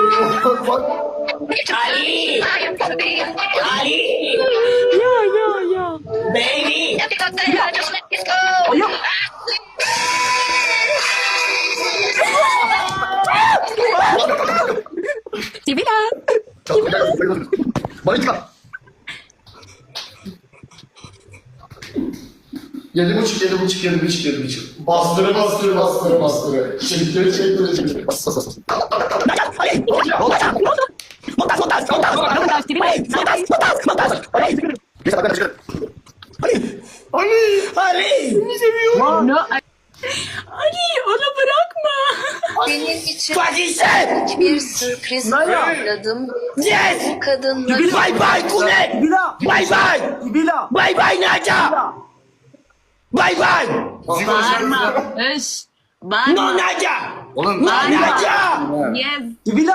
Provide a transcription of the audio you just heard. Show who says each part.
Speaker 1: Ali! Ali!
Speaker 2: Yeah.
Speaker 1: Baby!
Speaker 2: Sibila.
Speaker 3: Monika! 7,5. Bastırı. Çektir. Bas. Geç arkadaşlar.
Speaker 1: Ali!
Speaker 2: No. Ali onu bırakma.
Speaker 4: Senin için
Speaker 1: Fatih'sen!
Speaker 4: bir sürpriz hazırladım.
Speaker 1: Yes!
Speaker 4: Bu kadınla
Speaker 1: Bye bye Kunet! Bye bye Naca! Bye!
Speaker 2: Bağırma. Öş. Bağırma.
Speaker 1: No Naca!
Speaker 3: Oğlum.
Speaker 1: Naca!
Speaker 2: Yes.